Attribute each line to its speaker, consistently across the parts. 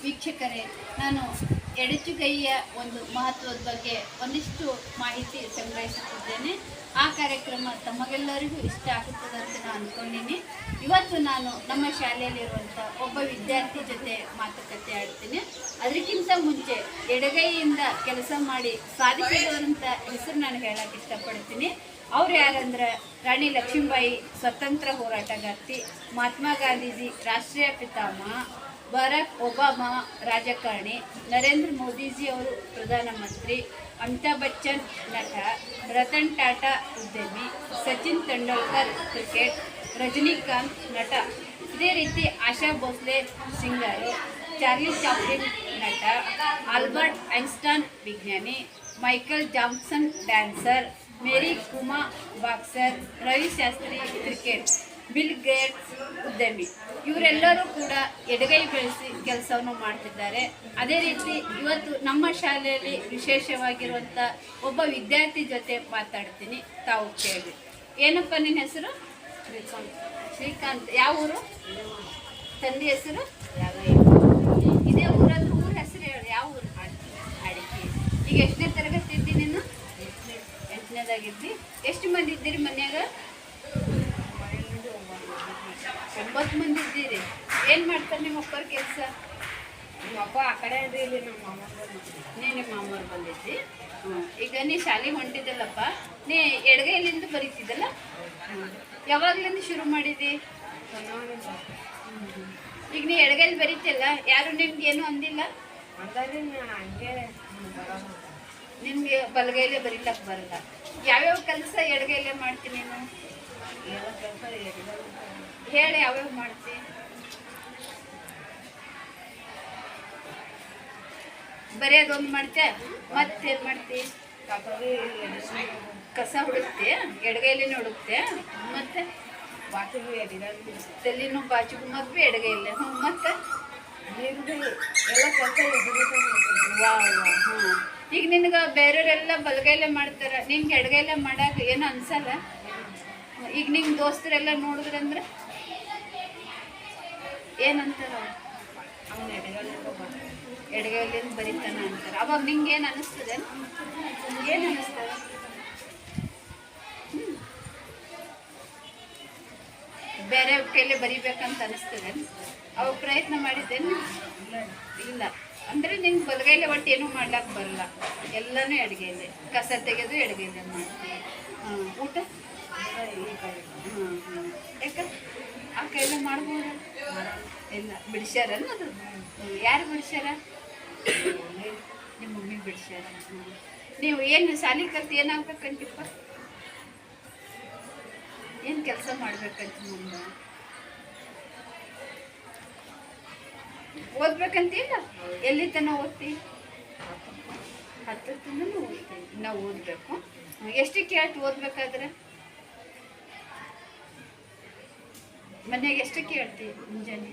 Speaker 1: ವೀಕ್ಷಕರೇ, ನಾನು ಎಡಚುಗೈಯ ಒಂದು ಮಹತ್ವದ ಬಗ್ಗೆ ಒಂದಿಷ್ಟು ಮಾಹಿತಿ ಸಂಗ್ರಹಿಸುತ್ತಿದ್ದೇನೆ. ಆ ಕಾರ್ಯಕ್ರಮ ತಮಗೆಲ್ಲರಿಗೂ ಇಷ್ಟ ಆಗುತ್ತದೆ ಅಂತ ನಾನು ಅಂದ್ಕೊಂಡಿನಿ. ಇವತ್ತು ನಾನು ನಮ್ಮ ಶಾಲೆಯಲ್ಲಿರುವಂಥ ಒಬ್ಬ ವಿದ್ಯಾರ್ಥಿ ಜೊತೆ ಮಾತುಕತೆ ಆಡ್ತೀನಿ. ಅದಕ್ಕಿಂತ ಮುಂಚೆ ಎಡಗೈಯಿಂದ ಕೆಲಸ ಮಾಡಿ ಸಾಧಿಸಿದವರಂಥ ಹೆಸರು ನಾನು ಹೇಳಕ್ಕೆ ಇಷ್ಟಪಡ್ತೀನಿ. ಅವ್ರು ಯಾರಂದ್ರೆ ರಾಣಿ ಲಕ್ಷ್ಮೀಬಾಯಿ ಸ್ವತಂತ್ರ ಹೋರಾಟಗಾರ್ತಿ, ಮಹಾತ್ಮ ಗಾಂಧೀಜಿ ರಾಷ್ಟ್ರೀಯ ಪಿತಾಮಹ, ಬರಾಕ್ ಒಬಾಮಾ ರಾಜಕಾರಣಿ, ನರೇಂದ್ರ ಮೋದಿಜಿ ಅವರು ಪ್ರಧಾನಮಂತ್ರಿ, ಅಮಿತಾಬ್ ಬಚ್ಚನ್ ನಟ, ರತನ್ ಟಾಟಾ ಉದ್ಯಮಿ, ಸಚಿನ್ ತೆಂಡೂಲ್ಕರ್ ಕ್ರಿಕೆಟ್, ರಜನಿಕಾಂತ್ ನಟ, ಇದೇ ರೀತಿ Asha Bhosle singer, Charlie Chaplin ನಟ, ಆಲ್ಬರ್ಟ್ ಐನ್ಸ್ಟೈನ್ ವಿಜ್ಞಾನಿ, Michael Johnson dancer, Mary Kom boxer, Ravi Shastri cricket, Bill Gates ಉದ್ಯಮಿ. ಇವರೆಲ್ಲರೂ ಕೂಡ ಎಡಗೈ ಬೆಳೆಸಿ ಕೆಲಸವನ್ನು ಮಾಡ್ತಿದ್ದಾರೆ. ಅದೇ ರೀತಿ ಇವತ್ತು ನಮ್ಮ ಶಾಲೆಯಲ್ಲಿ ವಿಶೇಷವಾಗಿರುವಂಥ ಒಬ್ಬ ವಿದ್ಯಾರ್ಥಿ ಜೊತೆ ಮಾತಾಡ್ತೀನಿ, ತಾವು ಕೇಳಿ. ಏನಪ್ಪ ನಿನ್ನ ಹೆಸರು? ಶ್ರೀಕಾಂತ್. ಯಾವ ಊರು? ತಂದೆ ಹೆಸರು? ಇದೇ ಊರಲ್ಲಿ ಊರ ಹೆಸರು ಹೇಳಿ. ಯಾವ ಊರು? ಅಡಿಕೆ. ಈಗ ಎಷ್ಟನೇ ತರಗತಿ ಇದ್ದಿ ನೀನು? 8ನೇದಾಗಿದ್ದಿ. ಎಷ್ಟು ಮಂದಿ ಇದ್ದೀರಿ ಮನ್ಯಾಗ? 9 ಮಂದಿ ಇದ್ದೀರಿ. ಏನು ಮಾಡ್ತಾರೆ ನಿಮ್ಮ ಅಪ್ಪರ ಕೆಲಸ?
Speaker 2: ನಿಮ್ಮ ಅಪ್ಪ ಆ ಕಡೆ ಅಂದ್ರೆ ಇಲ್ಲಿ ನಮ್ಮ ಮಾಮ
Speaker 1: ನಿಮ್ಮ ಮಾಮವ್ರು ಬಂದಿದ್ದಿ. ಈಗ ನೀ ಶಾಲೆಗೆ ಹೊಂಟಿದ್ದಲ್ಲಪ್ಪ, ನೀ ಎಡಗೈಲಿಂದ ಬರೀತಿದ್ದಲ್ಲ, ಯಾವಾಗ್ಲಿಂದ ಶುರು ಮಾಡಿದ್ದಿ? ಈಗ ನೀ ಎಡಗೈಲಿ ಬರೀತಿಲ್ಲ, ಯಾರು ನಿಮ್ಗೆ ಏನು ಅಂದಿಲ್ಲ?
Speaker 2: ಹಂಗೆ
Speaker 1: ನಿಮ್ಗೆ ಬಲಗೈಲೇ ಬರೀಲಕ್ಕೆ ಬರಲ್ಲ. ಯಾವ್ಯಾವ ಕೆಲಸ ಎಡಗೈಲೇ ಮಾಡ್ತೀನಿ ನೀನು?
Speaker 2: ಎಲ್ಲ ಕೆಲಸ
Speaker 1: ಹೇಳಿ, ಯಾವ್ಯಾವ ಮಾಡ್ತಿ? ಬರೆಯೋದೊಂದು ಮಾಡ್ತೆ, ಮತ್ತೇನು ಮಾಡ್ತಿ? ಕಸ ಹುಡುಕ್ತೆ, ಎಡಗೈಲಿನ ಹುಡುಕ್ತೆ, ಮತ್ತೆ
Speaker 2: ಬಾಚಿಗೆ
Speaker 1: ತಲೆನೂ ಬಾಚಿಗೂ ಮದ್ವೆ ಎಡಗೈಲೆ. ಮತ್ತೆ
Speaker 2: ಎಲ್ಲ ಕೆಲಸ
Speaker 1: ಈಗ ನಿನ್ಗೆ ಬೇರೆಯವರೆಲ್ಲ ಬಲಗೈಲೆ ಮಾಡ್ತಾರೆ, ನಿನ್ಗೆ ಎಡಗೈಲೆ ಮಾಡಾಕ ಏನು ಅನ್ಸಲ್ಲ? ಈಗ ನಿಮ್ಮ ದೋಸ್ತರೆಲ್ಲ ನೋಡಿದ್ರಂದ್ರೆ ಏನಂತಾರ?
Speaker 2: ಅವನು
Speaker 1: ಎಡಗೈಲಿಂದ ಬರೀತಾನ ಅಂತಾರೆ. ಅವಾಗ ನಿಂಗೆ ಏನು ಅನ್ನಿಸ್ತದೆ? ಏನು ಅನ್ನಿಸ್ತದೆ? ಬೇರೆ ಕೈಲಿ ಬರಿಬೇಕಂತ ಅನಿಸ್ತದೆ? ಅವಾಗ ಪ್ರಯತ್ನ ಮಾಡಿದ್ದೇನು? ಇಲ್ಲ. ಅಂದರೆ ನಿನ್ಗೆ ಬಲಗೈಲೆ ಒಟ್ಟು ಏನೂ ಮಾಡ್ಲಿಕ್ಕೆ ಬರಲ್ಲ, ಎಲ್ಲನೂ ಎಡಗೈಲೆ. ಕಸ ತೆಗೆದು ಎಡಗೈಲೆ ಮಾಡ್ತೀವಿ. ಊಟ ಯಾಕೆ ಆ ಕೈಲೆ ಮಾಡ್ಬೋದು? ಇಲ್ಲ, ಬಿಡಿಸ್ಯಾರ ಅದು? ಯಾರು ಬಿಡಿಸ್ಯಾರ? ನಿಮ್ಮ ಮಮ್ಮಿ ಬಿಡಿಸ್ಯಾರ. ನೀವು ಏನು ಶಾಲೆ ಕಲ್ತು ಏನಾಗ್ಬೇಕಂತಿಪ್ಪ? ಏನು ಕೆಲಸ ಮಾಡ್ಬೇಕಂತ ಮುಂದೆ? ಓದ್ಬೇಕಂತಿಲ್ಲ? ಎಲ್ಲಿ ತನಕ ಓದ್ತಿ? 10 ತನಕ ಓದ್ತೀನಿ. ನಾವು ಓದಬೇಕು. ಎಷ್ಟು ಕೇಳ್ತು ಓದ್ಬೇಕಾದ್ರೆ? ಮನೆಯಾಗ ಎಷ್ಟು ಕೇಳ್ತಿ ಮುಂಜಾನೆ?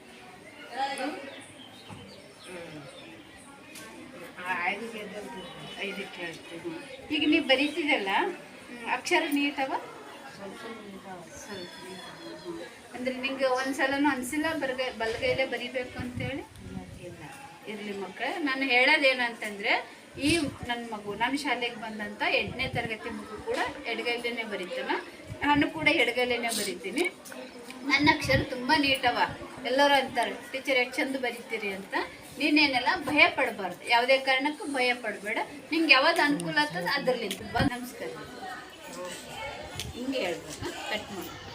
Speaker 1: 5 ಕೇಳ್ತೀವಿ. ಈಗ ನೀವು ಬರೀತಿದಲ್ಲ, ಅಕ್ಷರ ನೀಟವ? ಸ್ವಲ್ಪ. ಅಂದರೆ ನಿಂಗೆ ಒಂದ್ಸಲನೂ ಅನಿಸಿಲ್ಲ ಬಲಗೈಲೇ ಬರಿಬೇಕು ಅಂತೇಳಿ? ಇಲ್ಲ. ಇರಲಿ ಮಕ್ಕಳು, ನಾನು ಹೇಳೋದೇನಂತಂದರೆ, ಈ ನನ್ನ ಮಗು ನನ್ನ ಶಾಲೆಗೆ ಬಂದಂಥ 8ನೇ ತರಗತಿ ಮಗು ಕೂಡ ಎಡಗೈಲೇನೆ ಬರೀತಾನ. ನಾನು ಕೂಡ ಎಡಗೈಲೇನೆ ಬರಿತೀನಿ. ನನ್ನ ಅಕ್ಷರ ತುಂಬ ನೀಟವ. ಎಲ್ಲರೂ ಅಂತಾರೆ, ಟೀಚರ್ ಎಷ್ಟು ಚಂದ ಬರೀತೀರಿ ಅಂತ. ನೀನೇನೆಲ್ಲ ಭಯ ಪಡಬಾರ್ದು, ಯಾವುದೇ ಕಾರಣಕ್ಕೂ ಭಯ ಪಡಬೇಡ. ನಿಂಗೆ ಯಾವ್ದು ಅನುಕೂಲ ಆಗ್ತದೆ ಅದರಲ್ಲಿಂದ ನಮಸ್ಕಾರ. ಹಿಂಗೆ ಹೇಳ್ಬೇಕು. ಕಟ್ ಮಾಡಿ.